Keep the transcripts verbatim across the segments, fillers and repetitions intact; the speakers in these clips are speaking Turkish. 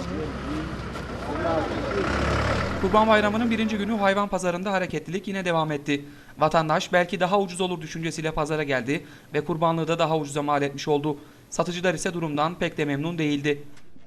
Kurban Bayramı'nın birinci günü hayvan pazarında hareketlilik yine devam etti. Vatandaş belki daha ucuz olur düşüncesiyle pazara geldi ve kurbanlığı da daha ucuza mal etmiş oldu. Satıcılar ise durumdan pek de memnun değildi.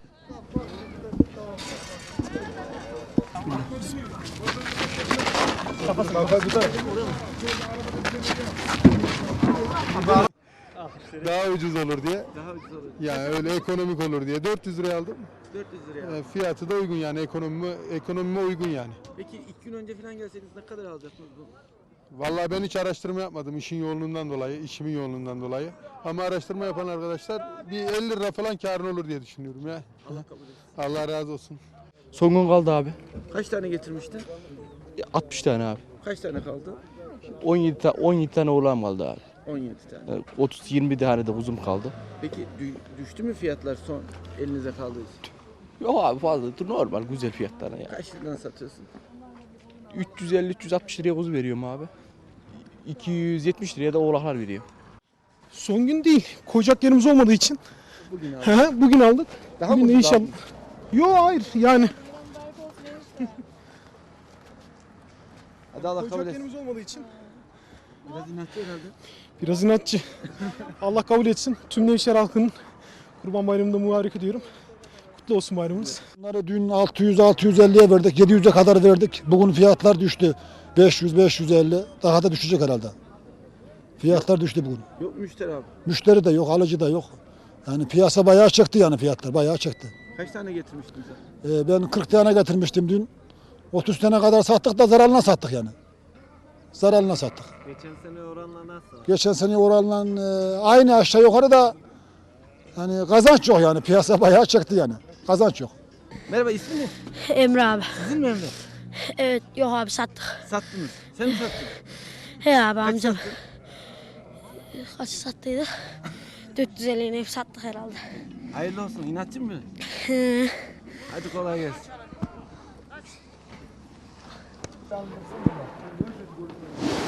Daha ucuz olur diye. Daha ucuz olur. Yani öyle ekonomik olur diye. dört yüz liraya aldım. dört yüz liraya. E, Fiyatı da uygun yani ekonomime, ekonomime uygun yani. Peki iki gün önce falan gelseydiniz ne kadar alacaktınız bu? Vallahi ben hiç araştırma yapmadım işin yoğunluğundan dolayı, işimin yoğunluğundan dolayı. Ama araştırma yapan arkadaşlar bir elli lira falan karın olur diye düşünüyorum ya. Allah kabul etsin. Allah razı olsun. Son gün kaldı abi. Kaç tane getirmiştin? altmış tane abi. Kaç tane kaldı? on yedi, ta- on yedi tane oğlan kaldı abi. on yedi tane. Yani otuz yirmi tane de uzun kaldı. Peki dü- düştü mü fiyatlar son elinize kaldığı için? Yok abi fazla normal güzel fiyatlara ya. Kaç liradan satıyorsun? üç yüz elli üç yüz altmış liraya kuzu veriyorum abi. iki yüz yetmiş liraya da oğlaklar veriyorum. Son gün değil. Koyacak yerimiz olmadığı için. Bugün abi. Hı hı, Bugün aldık. Daha Bugün mı de ucuz inşallah. aldın? Yok hayır yani. Hadi Allah kabul Koyacak etsin. yerimiz olmadığı için. Biraz inatçı herhalde. Biraz inatçı. Allah kabul etsin. Tüm Nevşehir halkının Kurban Bayramı'nda mübarek ediyorum. Kutlu olsun bayramınız. Bunları dün altı yüz altı yüz elliye verdik, yedi yüze kadar verdik. Bugün fiyatlar düştü. beş yüz beş yüz elli. Daha da düşecek herhalde. Fiyatlar düştü bugün. Yok müşteri abi. Müşteri de yok, alıcı da yok. Yani piyasa bayağı çıktı yani fiyatlar, bayağı çıktı. Kaç tane getirmiştin sen? Ee, ben kırk tane getirmiştim dün. otuz tane kadar sattık da zararına sattık yani. Zararına sattık. Geçen sene oranla nasıl? Geçen sene oranla e, aynı aşağı yukarı da hani kazanç yok yani. Piyasa bayağı çıktı yani. Kazanç yok. Merhaba, ismi ne? Emre abi. Sizin mi Emre? Evet yok abi sattık. Sattınız. Sen mi sattın? He abi Kaç amcam. sattın? Kaç sattıydı? dört yüz elliye hep sattık herhalde. Hayırlı olsun. İnatçı mı? He. Hadi kolay gelsin.